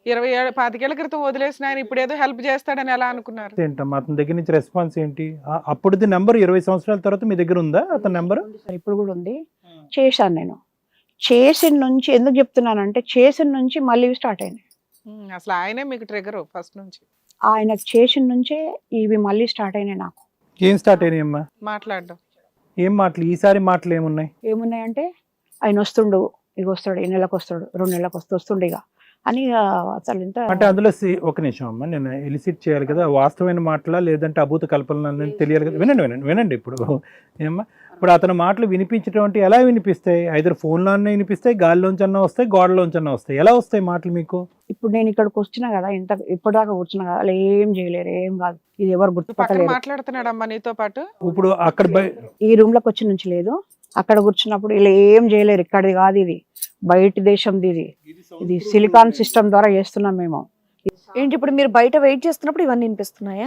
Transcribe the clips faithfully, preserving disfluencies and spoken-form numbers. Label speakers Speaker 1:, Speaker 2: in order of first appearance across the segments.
Speaker 1: ఇరవై ఏళ్ళ పాతికేళ్ల క్రితం వదిలేసిన ఆయన ఇప్పుడేదో హెల్ప్ చేస్తాడని ఎలా అనుకున్నారు?
Speaker 2: ఏంటమ్మా అతని దగ్గర నుంచి రెస్పాన్స్ ఏంటి? ఆ- అప్పుడుది నెంబర్ ఇరవై సంవత్సరాల తర్వాత మీ దగ్గర ఉందా అతని నెంబర్?
Speaker 3: ఉంది సార్, ఇప్పుడు కూడా ఉంది. చేశాను నేను. చేసిన నుంచి ఎందుకు చెప్తున్నానంటే చేసిన నుంచి మళ్ళీ స్టార్ట్ అయినాయి.
Speaker 1: ఉమ్, అసలు ఆయనే మీకు ట్రిగర్ ఫస్ట్ నుంచి
Speaker 3: ఆయన చేసిన నుంచే ఇవి మళ్ళీ స్టార్ట్ అయినాయి నాకు.
Speaker 2: ఏం స్టార్ట్ అయినాయమ్మా?
Speaker 1: మాట్లాడడం.
Speaker 2: ఏం మాటలు? ఈసారి మాటలు ఏమున్నాయి?
Speaker 3: ఏమున్నాయంటే ఆయన వస్తుండు, ఇక వస్తాడు, ఈ నెలకు వస్తాడు, రెండు నెలలకు వస్తూ వస్తుండు ఇక అని ఇక అసలు ఎంత
Speaker 2: అంటే అందులో సి- ఒక నిమిషం అమ్మా, నేను ఎలిసిట్ చేయాలి కదా, వాస్తవమైన మాటలా లేదంటే అభూత కల్పన అనేది తెలియాలి కదా. వినండి వినండి వినండి ఇప్పుడు ఏమ్మా, ఇప్పుడు అతని మాటలు వినిపించడం అంటే ఎలా వినిపిస్తాయి? ఐదర్ ఫోన్లోనే వినిపిస్తాయి, గాలిలోంచి అన్నా వస్తాయి, గోడలోంచి అన్నా వస్తాయి. ఎలా వస్తాయి మాటలు మీకు?
Speaker 3: ఇప్పుడు నేను ఇక్కడికి వచ్చినా కదా, ఇంత ఇప్పటిదాకా కూర్చున్నా కదా, అలా ఏం చేయలేరు, ఏం కాదు, ఇది ఎవరు
Speaker 1: పక్కన
Speaker 3: గుర్తుపట్టలేరు.
Speaker 1: మాట్లాడుతున్నాడమ్మా నీతో పాటు.
Speaker 2: ఇప్పుడు అక్కడ బయ-
Speaker 3: ఈ రూమ్ లోకి వచ్చి నుంచి లేదు, అక్కడ కూర్చున్నప్పుడు ఇలా ఏం చేయలేరు. ఇక్కడిది కాదు, ఇది బయట దేశంది, ఇది ఇది సిలికాన్ సిస్టమ్ ద్వారా చేస్తున్నాం మేము.
Speaker 4: ఏంటి ఇప్పుడు మీరు బయట వెయిట్ చేస్తున్నప్పుడు ఇవన్నీ వినిపిస్తున్నాయా?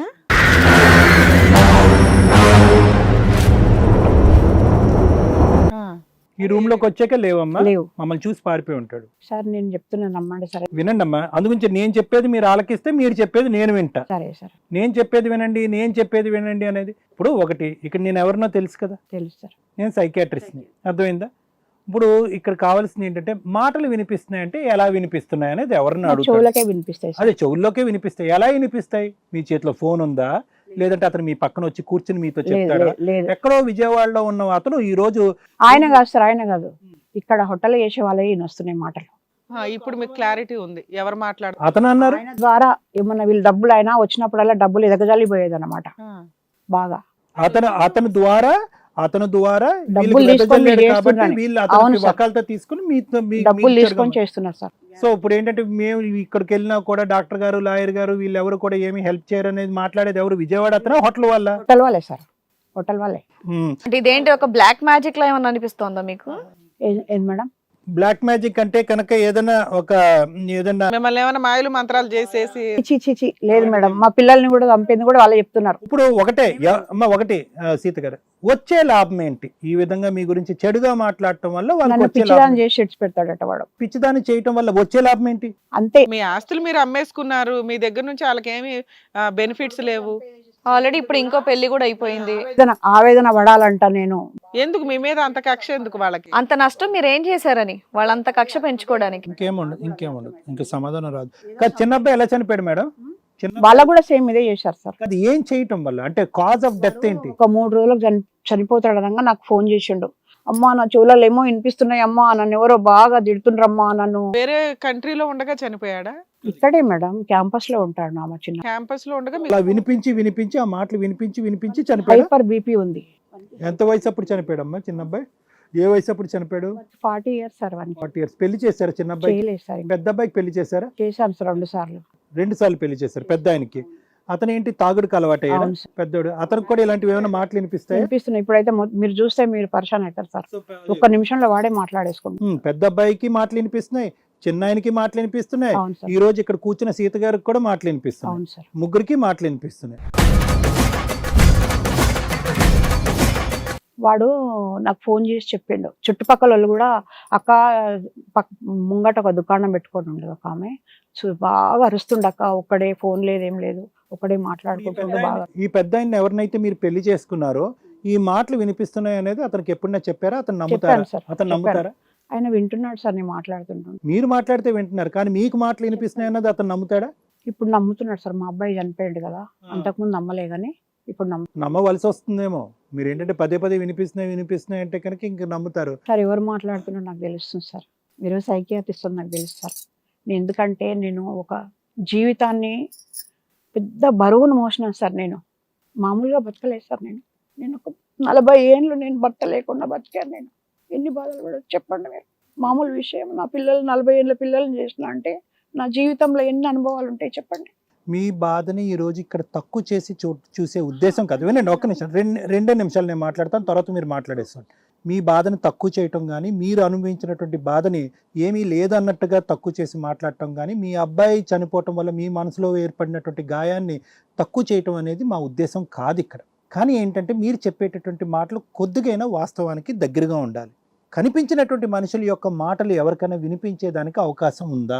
Speaker 1: ఆ,
Speaker 2: ఈ రూమ్ లోకి వచ్చాక లేవమ్మా,
Speaker 3: లేవు
Speaker 2: మమ్మల్ని చూసి పారిపోయి ఉంటాడు.
Speaker 3: సార్, నేను చెప్తున్నాను నమ్మండి. సరే
Speaker 2: వినండి అమ్మా, అందుగురించి నేను చెప్పేది మీరు ఆలకిస్తే మీరు చెప్పేది నేను వింటా.
Speaker 3: సరే సార్,
Speaker 2: నేను చెప్పేది వినండి, నేను చెప్పేది వినండి అనేది. ఇప్పుడు ఒకటి, ఇక్కడ నేను ఎవరినో తెలుసు కదా,
Speaker 3: తెలుసు సార్.
Speaker 2: నేను సైకియాట్రిస్ట్ని, అర్థమైందా? ఇప్పుడు ఇక్కడ కావాల్సింది ఏంటంటే మాటలు వినిపిస్తున్నాయంటే ఎలా వినిపిస్తున్నాయి అనేది ఎవరిని
Speaker 3: నా
Speaker 2: అడుగుతారు.
Speaker 3: చెవులకే వినిపిస్తాయి సార్.
Speaker 2: అదే చెవుల్లోకే వినిపిస్తాయి. ఎలా వినిపిస్తాయి? మీ చేతిలో ఫోన్ ఉందా, లేదంటే అతను మీ పక్కన వచ్చి కూర్చుని మీతో
Speaker 3: లేదు,
Speaker 2: చెప్తాడా?
Speaker 3: లేదు, లేదు.
Speaker 2: ఎక్కడో విజయవాడలో ఉన్న అతను ఈ రోజు
Speaker 3: ఆయన కాదు సార్, ఆయన కాదు, ఇక్కడ హోటల్ చేసే వాళ్ళే ఈయన వస్తున్నాయి మాటలు.
Speaker 1: ఆ, ఇప్పుడు మీకు క్లారిటీ ఉంది ఎవరు మాట్లాడు.
Speaker 2: అతను అన్నారు
Speaker 3: ఆయన ద్వారా ఏమన్నా వీళ్ళు డబ్బులు అయినా వచ్చినప్పుడల్లా డబ్బులు ఎదగజాలిపోయేది అనమాట బాగా.
Speaker 2: అతను అతని ద్వారా అతను ద్వారా వీళ్ళకి
Speaker 3: డబ్బులు తీసుకొని
Speaker 2: వెదజల్లాడు
Speaker 3: మీరు
Speaker 2: కాబట్టి
Speaker 3: చేస్తున్నారని.
Speaker 2: వీళ్ళు
Speaker 3: అవును
Speaker 2: అతనికి
Speaker 3: సార్.
Speaker 2: వకాలతో తీసుకుని మీతో మీ-
Speaker 3: డబ్బులు
Speaker 2: మీకు
Speaker 3: తీసుకొని
Speaker 2: చెడగొట్టారు.
Speaker 3: చేస్తున్నారు సార్.
Speaker 2: సో ఇప్పుడు ఏంటంటే మేము ఇక్కడికి వెళ్ళినా కూడా డాక్టర్ గారు, లాయర్ గారు వీళ్ళు ఎవరు కూడా ఏమి హెల్ప్ చేయరు అనేది మాట్లాడేది ఎవరు? విజయవాడ అతను హోటల్ వల్ల.
Speaker 3: హోటల్ వాళ్ళే సార్, హోటల్ వాళ్ళే.
Speaker 4: అంటే ఇదేంటి ఒక బ్లాక్ మ్యాజిక్ లా ఏమన్నా అనిపిస్తోందా మీకు?
Speaker 3: ఏ- ఏది మేడం?
Speaker 2: బ్లాక్ మ్యాజిక్ అంటే కనుక ఏదైనా ఒక ఏదన్నా
Speaker 1: మిమ్మల్ని ఏమైనా మాయలు మంత్రాలు చేసేసి
Speaker 3: చి చి చి లేదు మేడం, మా పిల్లల్ని కూడా చంపింది కూడా వాళ్ళే చెప్తున్నారు.
Speaker 2: ఇప్పుడు ఒకటే ఎ- అమ్మ ఒకటి ఆ, సీత గారు, వచ్చే లాభం ఏంటి? ఈ విధంగా మీ గురించి చెడుగా మాట్లాడటం వల్ల వాళ్ళకి
Speaker 3: నన్ను
Speaker 2: వచ్చే లాభం
Speaker 3: పిచ్చిదాన్ని చేసి ఇడిచి పెడతాడట వాడు,
Speaker 2: పిచ్చిదాన్ని చేయటం వల్ల వచ్చే లాభం ఏంటి?
Speaker 3: అంతే.
Speaker 1: మీ ఆస్తులు మీరు అమ్మేసుకున్నారు, మీ దగ్గర నుంచి వాళ్ళకి ఏమి బెనిఫిట్స్ లేవు.
Speaker 4: ఆల్రెడీ ఇప్పుడు ఇంకో పెళ్లి కూడా అయిపోయింది.
Speaker 3: ఆవేదన ఆవేదన పడాలంట నేను.
Speaker 1: ఎందుకు మీ మీద అంత కక్ష ఎందుకు వాళ్ళకి?
Speaker 4: అంత నష్టం మీరు ఏం చేశారని వాళ్ళంత కక్ష పెంచుకోవడానికి?
Speaker 2: ఇంకేముండదు ఇంకేముండదు ఇంకా సమాధానం రాదు. కాదు, చిన్న అబ్బాయి ఎలా చనిపోయాడు మేడం? చిన్న
Speaker 3: వాళ్ళకు కూడా సేమ్ ఇదే చేశారు సార్.
Speaker 2: అది ఏం చేయటం వల్ల అంటే కాజ్ ఆఫ్ డెత్ ఏంటి?
Speaker 3: ఒక మూడు రోజులకు చని చనిపోతాడు అనగా నాకు ఫోన్ చేసిండు. అమ్మా నా చెవులలో ఏమో వినిపిస్తున్నాయి అమ్మా, నన్ను ఎవరో బాగా తిడుతుండ్రమ్మా నన్ను.
Speaker 1: వేరే కంట్రీలో ఉండగా చనిపోయాడా?
Speaker 3: ఇక్కడే మేడం, క్యాంపస్ లో ఉంటాడు నా మా చిన్న.
Speaker 1: క్యాంపస్ లో ఉండగా
Speaker 2: అలా వినిపించి వినిపించి ఆ మాటలు వినిపించి వినిపించి చనిపోయాడు.
Speaker 3: హైపర్ బీపీ ఉంది.
Speaker 2: ఎంత వయసు అప్పుడు చనిపోయాడమ్మా చిన్న అబ్బాయి? ఏ వయసు అప్పుడు చనిపోయాడు?
Speaker 3: ఫార్టీ ఇయర్స్ సార్ వానికి.
Speaker 2: Forty years. పెళ్లి చేశారా చిన్న అబ్బాయి?
Speaker 3: చేయలేదు సార్ ఇంకా.
Speaker 2: పెద్ద అబ్బాయికి పెళ్లి చేశారా?
Speaker 3: చేశాను సార్ రెండు సార్లు.
Speaker 2: రెండు సార్లు పెళ్లి చేశారు పెద్ద ఆయనకి. అతను ఏంటి తాగుడుకు అలవాటు అయ్యాడు
Speaker 3: అవును సార్.
Speaker 2: పెద్దోడు. అతనికి కూడా ఇలాంటివి ఏమైనా మాటలు వినిపిస్తాయి?
Speaker 3: వినిపిస్తున్నాయి. ఇప్పుడైతే మొ- మీరు చూస్తే మీరు పరిశాన్ అవుతారు సార్. ఒక్క నిమిషంలో వాడే మాట్లాడేసుకుంటాం.
Speaker 2: పెద్ద అబ్బాయికి మాటలు వినిపిస్తున్నాయి, చిన్న ఆయనకి మాటలు వినిపిస్తున్నాయి.
Speaker 3: అవును సార్,
Speaker 2: ఈ రోజు ఇక్కడ కూర్చున్న సీత గారికి కూడా మాటలు వినిపిస్తున్నాయి.
Speaker 3: అవును సార్.
Speaker 2: ముగ్గురికి మాటలు వినిపిస్తున్నాయి.
Speaker 3: వాడు నాకు ఫోన్ చేసి చెప్పిండు. చుట్టుపక్కల వాళ్ళు కూడా అక్క పక్ ముంగట ఒక దుకాణం పెట్టుకొని ఉండదు ఒక ఆమె, సో బాగా అరుస్తుండ అక్క, ఒక్కడే ఫోన్ లేదు ఏం లేదు, ఒకడే మాట్లాడుకుంటుండే బాగా.
Speaker 2: ఈ పెద్ద ఆయన ఎవరినైతే మీరు పెళ్లి చేసుకున్నారో ఈ మాటలు వినిపిస్తున్నాయి అనేది అతనికి ఎప్పుడైనా చెప్పారా? అతను నమ్ముతారా?
Speaker 3: చెప్పాను సార్,
Speaker 2: అతను
Speaker 3: చెప్పాను.
Speaker 2: నమ్ముతారా?
Speaker 3: ఆయన వింటున్నాడు సార్ నేను మాట్లాడుతుంటాను.
Speaker 2: మీరు మాట్లాడితే వింటున్నారు కానీ మీకు మాటలు వినిపిస్తున్నాయి అన్నది అతను నమ్ముతాడా?
Speaker 3: ఇప్పుడు నమ్ముతున్నాడు సార్. మా అబ్బాయి చనిపోయాడు కదా, అంతకుముందు నమ్మలే కానీ ఇప్పుడు నమ్ము.
Speaker 2: నమ్మవలసి వస్తుందేమో. మీరు ఏంటంటే పదే పదే వినిపిస్తున్నాయి వినిపిస్తున్నాయి అంటే కనుక ఇంక నమ్ముతారు.
Speaker 3: సార్ ఎవరు మాట్లాడుతున్నాడు నాకు తెలుస్తుంది సార్. మీరు సైకియాట్రిస్ట్ నాకు తెలుసు సార్. నేను ఎందుకంటే నేను ఒక జీవితాన్ని పెద్ద బరువును మోసినాను సార్. నేను మామూలుగా బతకలేదు సార్. నేను నేను ఒక నలభై ఏళ్ళు నేను భర్త లేకుండా బతికాను. నేను ఎన్ని బాధలు కూడా చెప్పండి మీరు. మామూలు విషయం. నా పిల్లలు నలభై ఏళ్ళ పిల్లల్ని చేసిన అంటే నా జీవితంలో ఎన్ని అనుభవాలు ఉంటాయి చెప్పండి.
Speaker 2: మీ బాధని ఈ రోజు ఇక్కడ తక్కువ చేసి చూ చూసే ఉద్దేశం కాదు. వినండి ఒక్క నిమిషం, రెండు రెండే నిమిషాలు నేను మాట్లాడతాను, తర్వాత మీరు మాట్లాడేస్తాను. మీ బాధని తక్కువ చేయటం కానీ, మీరు అనుభవించినటువంటి బాధని ఏమీ లేదన్నట్టుగా తక్కువ చేసి మాట్లాడటం కానీ, మీ అబ్బాయి చనిపోవటం వల్ల మీ మనసులో ఏర్పడినటువంటి గాయాన్ని తక్కువ చేయటం అనేది మా ఉద్దేశం కాదు ఇక్కడ. కానీ ఏంటంటే మీరు చెప్పేటటువంటి మాటలు కొద్దిగైనా వాస్తవానికి దగ్గరగా ఉండాలి. కనిపించినటువంటి మనుషుల యొక్క మాటలు ఎవరికైనా వినిపించేదానికి అవకాశం ఉందా?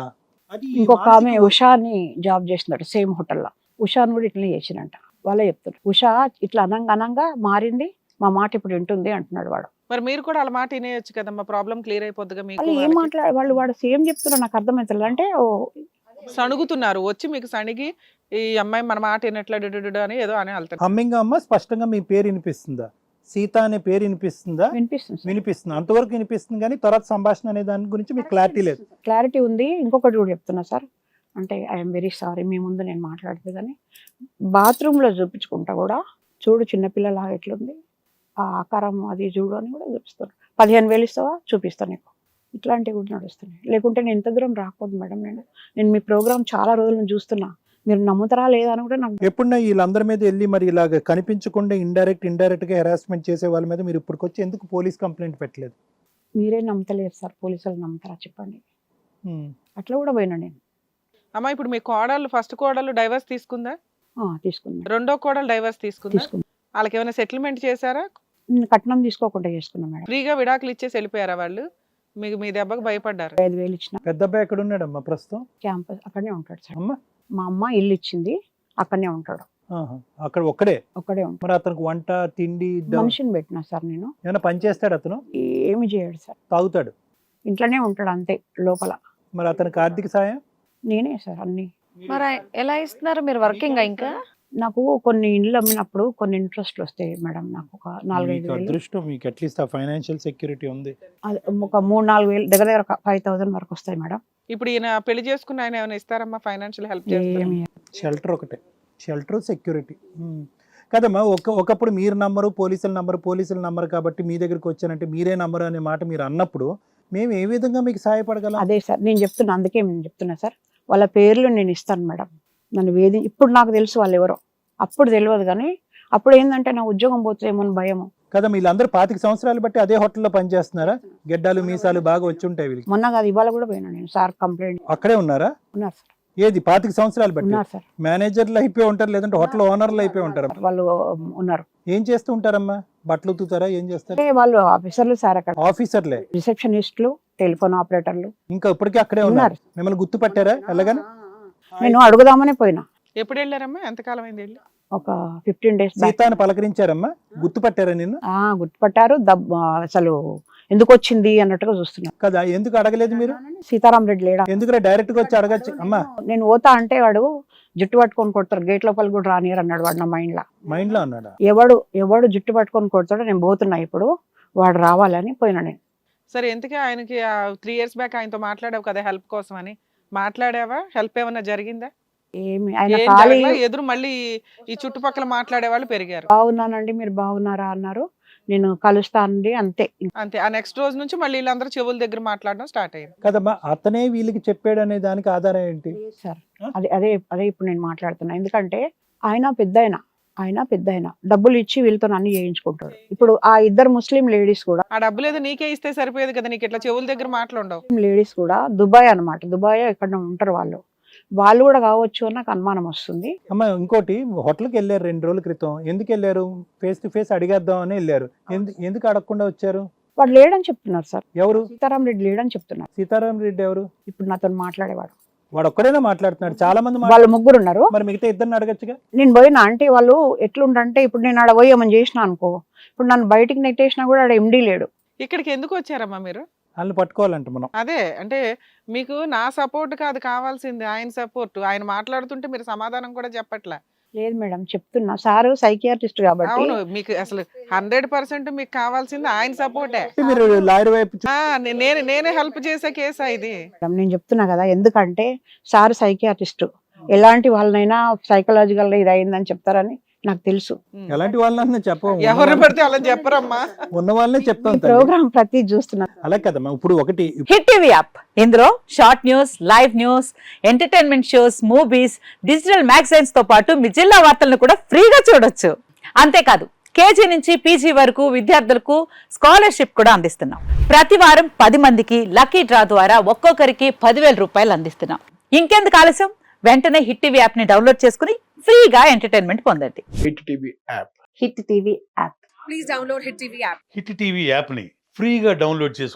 Speaker 2: అది
Speaker 3: ఇంకొక ఆమె
Speaker 2: మానసిక-
Speaker 3: ఉషా అని జాబ్ చేస్తుందట సేమ్ హోటల్లో. ఉషాని కూడా ఇట్లనే చేసినంట. వాళ్ళే చెప్తారు ఉషా ఇట్లా అనంగా అనంగా మారింది, మా మాట ఇప్పుడు వింటుంది అంటున్నాడు వాడు.
Speaker 1: మరి మీరు కూడా అలా మాట వినేయచ్చు కదమ్మా, ప్రాబ్లం క్లియర్ అయిపోద్దిగా మీకు.
Speaker 3: వాళ్ళు ఏం
Speaker 1: వాళ్ళకి.
Speaker 3: మాట్లాడ వాళ్ళు వాడు సేమ్ చెప్తున్నారు, నాకు అర్థమవుతుంది. అంటే ఓ
Speaker 1: సణుగుతున్నారు వచ్చి మీకు సణిగి, ఈ అమ్మాయి మన మాట వినట్లా డుడుడు అని ఏదో అని వెళ్తారు.
Speaker 2: హమ్మింగ్ అమ్మ స్పష్టంగా మీ పేరు వినిపిస్తుందా? సీత అనే పేరు వినిపిస్తుందా?
Speaker 3: వినిపిస్తుంది సార్.
Speaker 2: వినిపిస్తుంది, అంతవరకు వినిపిస్తుంది, కానీ తర్వాత సంభాషణ అనే దాని గురించి మీకు క్లారిటీ లేదు.
Speaker 3: క్లారిటీ ఉంది. ఇంకొకటి కూడా చెప్తున్నా సార్, అంటే ఐఎమ్ వెరీ సారీ మీ ముందు నేను మాట్లాడుతుంది కానీ బాత్రూంలో చూపించుకుంటా కూడా చూడు చిన్నపిల్లలాగా ఎట్లుంది ఆ ఆకారం అది చూడు అని కూడా చూపిస్తాను. పదిహేను వేలు ఇస్తావా చూపిస్తాను నీకు, ఇట్లాంటివి కూడా నడుస్తున్నాయి. లేకుంటే నేను ఎంత దూరం రాకపోదు మేడం. నేను నేను మీ ప్రోగ్రామ్ చాలా రోజుల నుంచి చూస్తున్నా, మీరు నమ్ముతారా లేదా అని కూడా నాకు
Speaker 2: ఎప్పుడన్నా వీళ్ళందరి మీద వెళ్ళి మరి ఇలాగ కనిపించకుండా ఇండైరెక్ట్ ఇండైరెక్ట్ గా హెరాస్మెంట్ చేసే వాళ్ళ మీద మీరు ఇప్పటికొచ్చి ఎందుకు పోలీస్ కంప్లైంట్ పెట్టలేదు?
Speaker 3: మీరే నమ్మతలేరు సార్, పోలీసులు నమ్ముతారా చెప్పండి.
Speaker 2: ఉమ్.
Speaker 3: అట్లా కూడా పోయినా నేను.
Speaker 1: అమ్మా ఇప్పుడు మీ కోడళ్ళు, ఫస్ట్ కోడళ్ళు డైవర్స్ తీసుకుందా,
Speaker 3: ఆ, తీసుకున్నా
Speaker 1: రెండో కోడలు డైవర్స్ తీసుకుందా,
Speaker 3: తీసుకున్నా
Speaker 1: వాళ్ళకి ఏమైనా సెటిల్మెంట్ చేశారా,
Speaker 3: నేను కట్నం తీసుకోకుండా చేసుకున్నా మేడం.
Speaker 1: ఫ్రీగా విడాకులు ఇచ్చేసి వెళ్ళిపోయారా వాళ్ళు? మీకు మీ దెబ్బకు భయపడ్డారు.
Speaker 3: ఐదు వేలు ఇచ్చిన.
Speaker 2: పెద్ద అబ్బాయి ఎక్కడ ఉన్నాడమ్మా ప్రస్తుతం?
Speaker 3: క్యాంపస్ అక్కడనే ఉంటాడు సార్.
Speaker 2: అమ్మ
Speaker 3: మా అమ్మ ఇల్లు ఇచ్చింది, అక్కడనే ఉంటాడు,
Speaker 2: ఆహా. అక్కడ ఒక్కడే?
Speaker 3: ఒక్కడే ఉంటాడు.
Speaker 2: మరి అతనికి వంట తిండి ద-
Speaker 3: మనిషిని పెట్టినా సార్ నేను.
Speaker 2: ఏమైనా పని చేస్తాడు అతను?
Speaker 3: ఏమి చేయడు సార్,
Speaker 2: తాగుతాడు?
Speaker 3: ఇంట్లోనే ఉంటాడు అంతే లోపల.
Speaker 2: మరి అతనికి ఆర్థిక సాయం?
Speaker 3: నేనే సార్ అన్ని.
Speaker 4: మరి ఎలా ఇస్తున్నారు మీరు, వర్కింగ్ ఇంకా?
Speaker 3: నాకు కొన్ని ఇండ్లు అమ్మినప్పుడు కొన్ని ఇంట్రెస్ట్లు వస్తాయి మేడం. నాకు ఒక నాలుగైదు
Speaker 2: మీకు
Speaker 3: వేలు,
Speaker 2: అదృష్టం, మీకు అట్లీస్ట్ ఆ ఫైనాన్షియల్ సెక్యూరిటీ ఉంది.
Speaker 3: అది ఒక మూడు నాలుగు వేలు దగ్గర దగ్గర ఫైవ్ థౌసండ్ వరకు వస్తాయి మేడం.
Speaker 1: ఇప్పుడు ఈయన పెళ్లి చేసుకున్న ఆయన ఏమైనా ఇస్తారమ్మా, ఫైనాన్షియల్ హెల్ప్ చేస్తారా?
Speaker 3: ఏమి
Speaker 2: షెల్టర్ ఒకటే, షెల్టర్ సెక్యూరిటీ. కదమ్మా, ఒక ఒకప్పుడు మీరు నమ్మరు, పోలీసుల నంబరు, పోలీసుల నంబరు కాబట్టి మీ దగ్గరికి వచ్చానంటే మీరే నమ్మరు అనే మాట మీరు అన్నప్పుడు మేము ఏ విధంగా మీకు సహాయపడగలం?
Speaker 3: అదే సార్ నేను చెప్తున్నా, అందుకే నేను చెప్తున్నా సార్, వాళ్ళ పేర్లు నేను ఇస్తాను మేడం. నన్ను వేది ఇప్పుడు నాకు తెలుసు వాళ్ళు ఎవరో, అప్పుడు తెలియదు కానీ అప్పుడు ఏంటంటే నా ఉద్యోగం పోతుందేమో అని భయము.
Speaker 2: కదా వీళ్ళందరూ పాతిక సంవత్సరాలు బట్టి అదే హోటల్లో పనిచేస్తున్నారా? గెడ్డాలు మీసాలు బాగా వచ్చి ఉంటాయి వీళ్ళకి.
Speaker 3: మొన్న కాదు ఇవాళ కూడా పోయినా నేను సార్ కంప్లైంట్.
Speaker 2: అక్కడే ఉన్నారా?
Speaker 3: ఉన్నారు సార్,
Speaker 2: ఏది పాతిక సంవత్సరాలు బట్టి?
Speaker 3: ఉన్నారు సార్.
Speaker 2: మేనేజర్లు అయిపోయి ఉంటారు, లేదంటే హోటల్ ఓనర్లు అయిపోయి ఉంటారు.
Speaker 3: వాళ్ళు ఉన్నారు.
Speaker 2: ఏం చేస్తూ ఉంటారమ్మా? బట్టలు ఉతుకుతారా? ఏం చేస్తారు?
Speaker 3: అంటే వాళ్ళు ఆఫీసర్లు సార్, అక్కడ
Speaker 2: ఆఫీసర్లే,
Speaker 3: రిసెప్షనిస్టులు, టెలిఫోన్ ఆపరేటర్లు
Speaker 2: ఇంకా ఇప్పటికీ అక్కడే ఉన్నారు. మిమ్మల్ని గుర్తుపట్టారా ఎలాగని?
Speaker 3: నేను అడుగుదామనే పోయినా.
Speaker 1: ఎప్పుడు వెళ్ళారమ్మా, ఎంతకాలం అయింది వెళ్ళి?
Speaker 3: ఒక ఫిఫ్టీన్ డేస్ బ్యాక్.
Speaker 2: సీతాను పలకరించారమ్మా? గుర్తుపట్టారా నిన్ను?
Speaker 3: ఆ గుర్తుపట్టారు. దబ్ అసలు ఎందుకు వచ్చింది అన్నట్టుగా చూస్తున్నారు.
Speaker 2: కదా, ఎందుకు అడగలేదు మీరు?
Speaker 3: సీతారాం రెడ్డి లేడా?
Speaker 2: ఎందుకు డైరెక్ట్ గా వచ్చి అడగచ్చు అమ్మా.
Speaker 3: నేను పోతా అంటే వాడు జుట్టు పట్టుకొని కొడతారు, గేట్ లోపల కూడా రానియరు అన్నాడు వాడు నా మైండ్ లా.
Speaker 2: మైండ్ లో అన్నాడా?
Speaker 3: ఎవడు ఎవడు జుట్టు పట్టుకొని కొడతాడో నేను పోతున్నా ఇప్పుడు, వాడు రావాలని పోయినా నేను.
Speaker 1: సరే, ఎందుకే ఆయనకి త్రీ ఇయర్స్ బ్యాక్ ఆయనతో మాట్లాడావు కదా హెల్ప్ కోసం అని, మాట్లాడావా? హెల్ప్ ఏమన్నా జరిగిందా?
Speaker 3: ఏమి ఆయన
Speaker 1: ఏం
Speaker 3: ఖాళీ
Speaker 1: జరగలా? ఎదురు మళ్ళీ ఈ చుట్టుపక్కల మాట్లాడే వాళ్ళు పెరిగారు.
Speaker 3: బాగున్నానండి మీరు బాగున్నారా అన్నారు, నేను కలుస్తానండి అంతే.
Speaker 1: అంతే. ఆ నెక్స్ట్ రోజు నుంచి మళ్ళీ వీళ్ళందరూ చెవుల దగ్గర మాట్లాడడం స్టార్ట్ అయ్యింది.
Speaker 2: కదమ్మా, అతనే వీళ్ళకి చెప్పాడు అనే దానికి ఆధారం ఏంటి?
Speaker 3: సార్ అదే అదే అదే ఇప్పుడు నేను మాట్లాడుతున్నా. ఎందుకంటే ఆయన పెద్ద ఆయన ఆయన పెద్ద ఆయన డబ్బులు ఇచ్చి వీళ్ళతో అన్ని చేయించుకుంటాడు. ఇప్పుడు ఆ ఇద్దరు ముస్లిం లేడీస్ కూడా
Speaker 1: ఆ డబ్బులు ఏదో నీకే ఇస్తే సరిపోయేది కదా, నీకు ఇట్లా చెవుల దగ్గర మాట్లాడవు.
Speaker 3: లేడీస్ కూడా దుబాయ్ అన్నమాట, దుబాయ్ ఎక్కడ ఉంటారు వాళ్ళు, వాళ్ళు కూడా కావచ్చు అని నాకు అనుమానం వస్తుంది.
Speaker 2: అమ్మ, ఇంకోటి, హోటల్కి వెళ్ళారు రెండు రోజుల క్రితం, ఎందుకు వెళ్ళారు? ఫేస్ టు ఫేస్ అడిగేద్దాం అని వెళ్ళారు. ఎందు- ఎందుకు అడగకుండా వచ్చారు?
Speaker 3: వాడు లేడని చెప్తున్నారు సార్,
Speaker 2: ఎవరు?
Speaker 3: సీతారాం రెడ్డి లేడని చెప్తున్నారు.
Speaker 2: సీతారాం రెడ్డి ఎవరు?
Speaker 3: ఇప్పుడు నాతో మాట్లాడేవాడు.
Speaker 2: వాడు ఒక్కడైనా మాట్లాడుతున్నాడు, చాలా మంది మాట్లా-
Speaker 3: వాళ్ళు ముగ్గురు ఉన్నారు.
Speaker 2: మరి మిగతా ఇద్దరిని అడగచ్చుగా.
Speaker 3: నేను పోయినా అంటే వాళ్ళు ఎట్లుండంటే, ఇప్పుడు నేను ఆడ పోయి ఏమని చేసినా అనుకో, ఇప్పుడు నన్ను బయటికి నెట్టేసినా కూడా ఆడ ఎండీ లేడు.
Speaker 1: ఇక్కడికి ఎందుకు వచ్చారమ్మా మీరు?
Speaker 2: వాళ్ళని పట్టుకోవాలంట మనం.
Speaker 1: అదే అంటే మీకు నా సపోర్ట్ కాదు కావాల్సింది, ఆయన సపోర్ట్. ఆయన మాట్లాడుతుంటే మీరు సమాధానం కూడా చెప్పట్లే.
Speaker 3: లేదు మేడం చెప్తున్నా, సారు సైకియాట్రిస్ట్ కాబట్టి.
Speaker 1: అవును, మీకు అసలు హండ్రెడ్ పర్సెంట్ మీకు కావాల్సింది ఆయన సపోర్టే.
Speaker 2: మీరు లాయర్ వైపు చూ-
Speaker 1: ఆ, నే- నేను నేనే హెల్ప్ చేసే కేసా ఇది.
Speaker 3: మేడం నేను చెప్తున్నా కదా, ఎందుకంటే సారు సైకియాట్రిస్ట్, ఎలాంటి వాళ్ళనైనా సైకలాజికల్ గా ఇది అయిందని చెప్తారని నాకు తెలుసు.
Speaker 1: ఉమ్.
Speaker 2: ఎలాంటి వాళ్ళని చెప్పం,
Speaker 1: ఎవరిని పడితే అలా చెప్పరమ్మా.
Speaker 2: ఉన్న వాళ్ళనే చెప్తాం తల్లి.
Speaker 3: ప్రోగ్రామ్ ప్రతి చూస్తున్నా.
Speaker 2: అలా కదమ్మా. ఇప్పుడు ఒకటి,
Speaker 5: హిట్ టీవీ యాప్, ఇందులో short news, live news, entertainment shows, movies, digital magazines తో పాటు మీ జిల్లా వార్తలను కూడా ఫ్రీగా చూడొచ్చు. అంతేకాదు, కేజీ నుంచి పీజీ వరకు విద్యార్థులకు స్కాలర్షిప్ కూడా అందిస్తున్నాం. ప్రతి వారం పది మందికి లక్కీ డ్రా ద్వారా ఒక్కొక్కరికి పదివేల రూపాయలు అందిస్తున్నాం. ఇంకెందుకు ఆలస్యం, వెంటనే హిట్ టీవీ యాప్ ని డౌన్లోడ్ చేసుకుని ఫ్రీగా ఎంటర్టైన్మెంట్ పొందండి.
Speaker 6: Hit TV app
Speaker 3: hit TV app
Speaker 7: hit TV యాప్ని ఫ్రీగా డౌన్లోడ్ చేసుకొని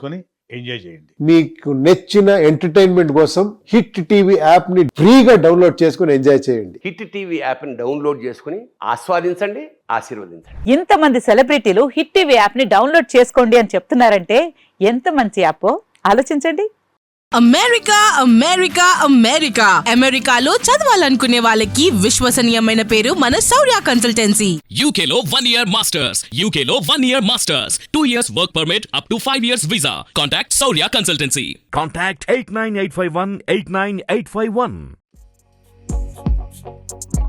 Speaker 6: ఎంజాయ్ చేయండి.
Speaker 7: మీకు నచ్చిన ఎంటర్టైన్మెంట్ కోసం హిట్ టీవీ యాప్ ని ఫ్రీగా డౌన్లోడ్ చేసుకుని ఎంజాయ్ చేయండి.
Speaker 8: హిట్ టీవీ యాప్ని డౌన్లోడ్ చేసుకుని ఆస్వాదించండి, ఆశీర్వదించండి.
Speaker 5: ఇంతమంది సెలబ్రిటీలు హిట్ టీవీ యాప్ ని డౌన్లోడ్ చేసుకోండి అని చెప్తున్నారంటే ఎంత మంచి యాప్ ఆలోచించండి.
Speaker 9: అమెరికా అమెరికా అమెరికా అమెరికాలో చదవాలనుకునే వాళ్ళకి విశ్వసనీయమైన పేరు మన శౌర్య కన్సల్టెన్సీ.
Speaker 10: యూకేలో వన్ ఇయర్ మాస్టర్స్, యూకేలో one year masters, two years work permit, up to five years visa. Contact Shaurya consultancy.
Speaker 6: Contact eight nine eight five one eight nine eight five one.